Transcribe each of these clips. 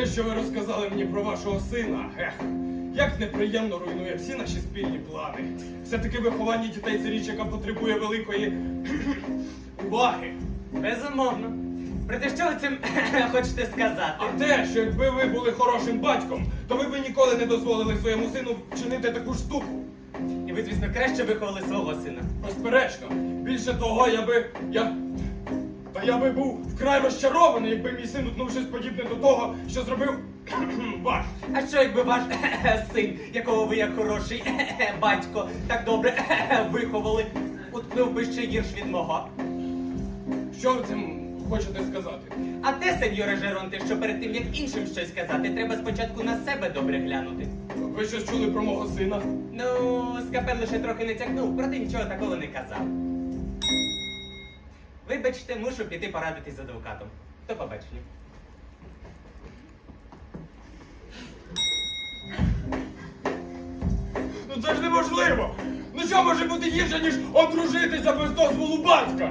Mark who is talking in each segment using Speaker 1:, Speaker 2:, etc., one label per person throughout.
Speaker 1: Те, що ви розказали мені про вашого сина, як неприємно руйнує всі наші спільні плани. Все-таки виховання дітей – це річ, яка потребує великої уваги.
Speaker 2: Безумовно. Проте що ви цим хочете сказати?
Speaker 1: А те, що якби ви були хорошим батьком, то ви б ніколи не дозволили своєму сину вчинити таку штуку.
Speaker 2: І ви, звісно, краще виховали свого сина.
Speaker 1: Безперечно. Більше того, я би був вкрай розчарований, якби мій син утнув щось подібне до того, що зробив ваш.
Speaker 2: А що якби ваш син, якого ви як хороший батько так добре виховали, уткнув би ще гірш від мого?
Speaker 1: Що ви цим хочете сказати?
Speaker 2: А те, сеньоре Жеронте, що перед тим, як іншим щось сказати, треба спочатку на себе добре глянути.
Speaker 1: Ви щось чули про мого сина?
Speaker 2: Ну, Скапен лише трохи не тягнув, проте нічого такого не казав. Вибачте, мушу піти порадитись з адвокатом. До побачення.
Speaker 1: Ну це ж неможливо! Ну що може бути гірше, ніж одружитися без дозволу батька?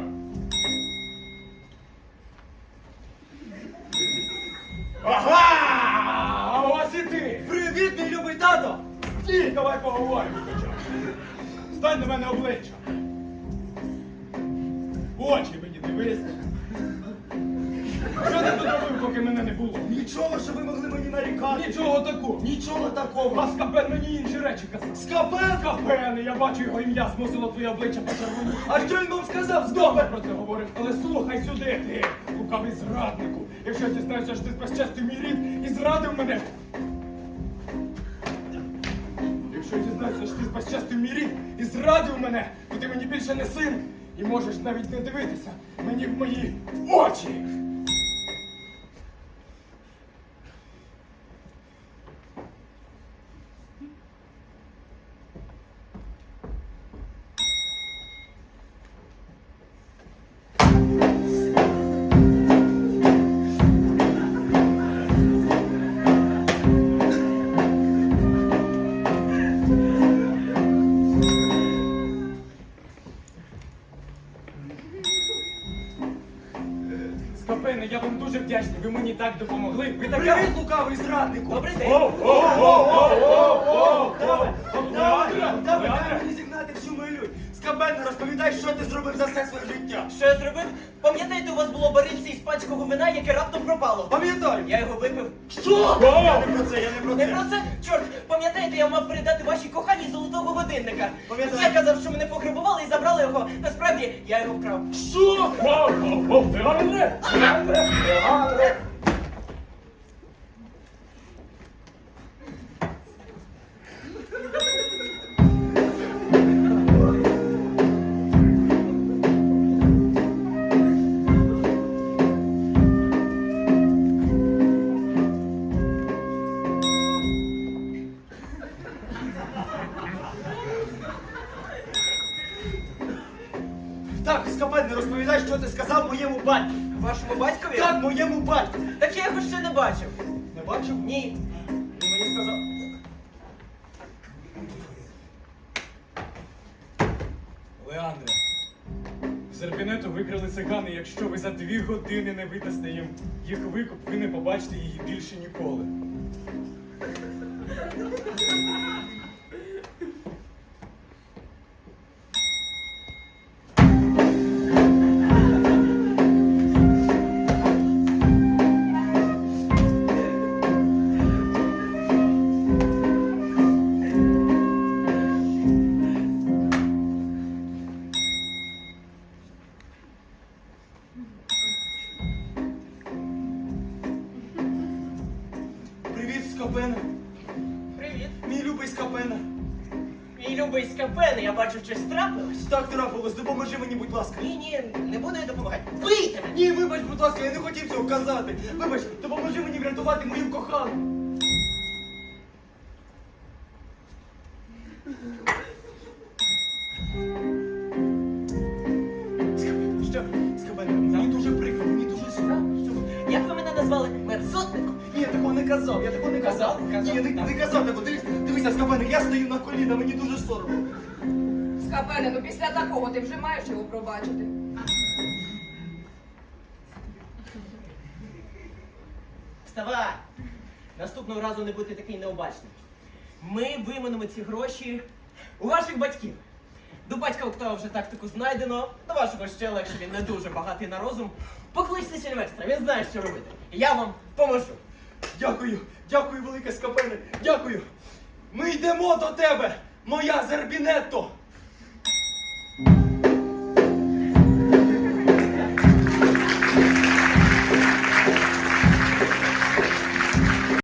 Speaker 1: Ага! А ось і ти!
Speaker 3: Привіт, мій любий тато!
Speaker 1: Стій, давай поговоримо хоча. Стань на мене обличчя. В очі мені дивись. Що ти тут робив, поки мене не було?
Speaker 3: Нічого, що ви могли мені нарікати.
Speaker 1: Нічого такого.
Speaker 3: Нічого такого.
Speaker 1: А Скапен мені інші речі казав.
Speaker 3: Скапен?
Speaker 1: Скапен, я бачу його ім'я, змусило твоє обличчя почервоніти.
Speaker 3: А що він вам сказав?
Speaker 1: Добре про це говорив, але слухай сюди, ти, лукавий зраднику. Якщо я дізнаюся, що ти спещастив мій рід і зрадив мене. Якщо я дізнаюся, що ти спещастив мій рід і зрадив мене, то ти мені більше не син і можеш навіть не дивитися мені в мої очі. Скапене, я вам дуже вдячний, ви мені так допомогли. Ви така...
Speaker 3: Привіт, лукавий зраднику!
Speaker 2: Добрий день.
Speaker 3: Давай мені зігнати всю мою лють. Скапен, розповідай, що ти зробив за все своє життя.
Speaker 2: Що я зробив? Пам'ятаєте, у вас було барильце іспанського вина, яке раптом пропало?
Speaker 3: Пам'ятаю.
Speaker 2: Я його випив.
Speaker 3: Що? Я не про це, я не про
Speaker 2: Не
Speaker 3: це.
Speaker 2: про це? Чорт, пам'ятаєте, я мав передати вашій коханій золотого годинника.
Speaker 3: Пам'ятаю.
Speaker 2: Я казав, що мене пограбували і забрали його. Насправді, я його вкрав.
Speaker 3: Що? Так, Скапен, не розповідай, що ти сказав моєму батьку.
Speaker 2: Вашому батькові?
Speaker 3: Так, моєму батьку.
Speaker 2: Так я його ще не бачив.
Speaker 3: Не бачив?
Speaker 2: Ні.
Speaker 3: Він мені сказав.
Speaker 1: Леандре, з Ерпінету викрали цигани. Якщо ви за 2 години не видасте їм їх викуп, ви не побачите її більше ніколи.
Speaker 3: Привіт, Скапене.
Speaker 2: Привіт.
Speaker 3: Мій любий Скапене.
Speaker 2: Мій любий Скапен, я бачу, щось трапилось.
Speaker 3: Так трапилось, допоможи мені, будь ласка.
Speaker 2: Ні, не буду я допомагати. Бийте мене!
Speaker 3: Ні, вибач, будь ласка, я не хотів цього казати. Вибач, допоможи мені врятувати мою кохану.
Speaker 2: Що?
Speaker 3: Скапене, мені дуже прикро, мені дуже сумно.
Speaker 2: Як ви мене назвали? Мерзотником?
Speaker 3: Ні, я такого не казав, я такого не казав.
Speaker 2: Казав?
Speaker 3: Ні, не казав такого. Дивися, Скапене, я стою на коліна, мені дуже соромно.
Speaker 4: Скапене, ну після такого ти вже маєш його пробачити.
Speaker 2: Вставай! наступного разу не бути такий необачний. Ми виманемо ці гроші у ваших батьків. До батька Октава вже тактику знайдено, до вашого ще легше, він не дуже багатий на розум. Покличте Сільвестра, він знає, що робити. Я вам поможу.
Speaker 3: Дякую, дякую, велике Скапене, дякую. Ми йдемо до тебе, моя Зербінетто.